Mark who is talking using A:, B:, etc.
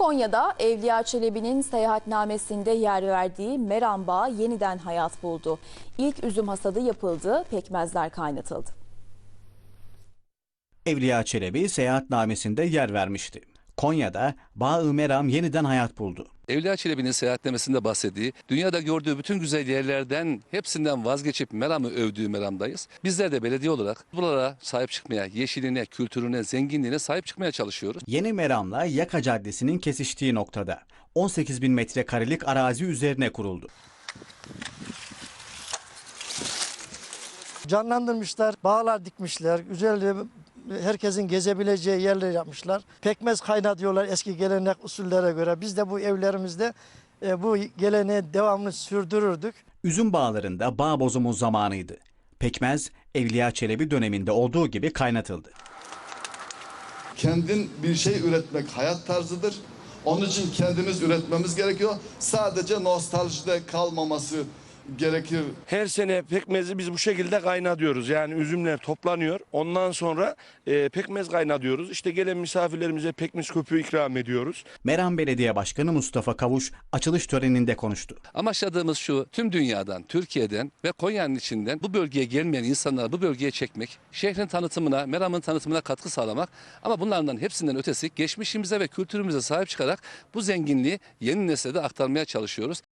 A: Konya'da Evliya Çelebi'nin seyahatnamesinde yer verdiği Meram Bağı yeniden hayat buldu. İlk üzüm hasadı yapıldı, pekmezler kaynatıldı.
B: Evliya Çelebi seyahatnamesinde yer vermişti. Konya'da Bağı Meram yeniden hayat buldu.
C: Evliya Çelebi'nin seyahatnamesinde bahsettiği, dünyada gördüğü bütün güzel yerlerden hepsinden vazgeçip Meram'ı övdüğü Meram'dayız. Bizler de belediye olarak buralara sahip çıkmaya, yeşiline, kültürüne, zenginliğine sahip çıkmaya çalışıyoruz.
B: Yeni Meram'la Yaka Caddesi'nin kesiştiği noktada 18.000 metrekarelik arazi üzerine kuruldu.
D: Canlandırmışlar, bağlar dikmişler, güzel herkesin gezebileceği yerler yapmışlar. Pekmez kaynatıyorlar eski gelenek usullere göre. Biz de bu evlerimizde bu geleneği devamlı sürdürürdük.
B: Üzüm bağlarında bağ bozumu zamanıydı. Pekmez Evliya Çelebi döneminde olduğu gibi kaynatıldı.
E: Kendin bir şey üretmek hayat tarzıdır. Onun için kendimiz üretmemiz gerekiyor. Sadece nostaljide kalmaması gerekir.
F: Her sene pekmezi biz bu şekilde kaynatıyoruz. Yani üzümler toplanıyor. Ondan sonra pekmez kaynatıyoruz. İşte gelen misafirlerimize pekmez köpüğü ikram ediyoruz.
B: Meram Belediye Başkanı Mustafa Kavuş açılış töreninde konuştu.
C: Amaçladığımız şu, tüm dünyadan, Türkiye'den ve Konya'nın içinden bu bölgeye gelmeyen insanları bu bölgeye çekmek, şehrin tanıtımına, Meram'ın tanıtımına katkı sağlamak ama bunlardan hepsinden ötesi geçmişimize ve kültürümüze sahip çıkarak bu zenginliği yeni nesle de aktarmaya çalışıyoruz.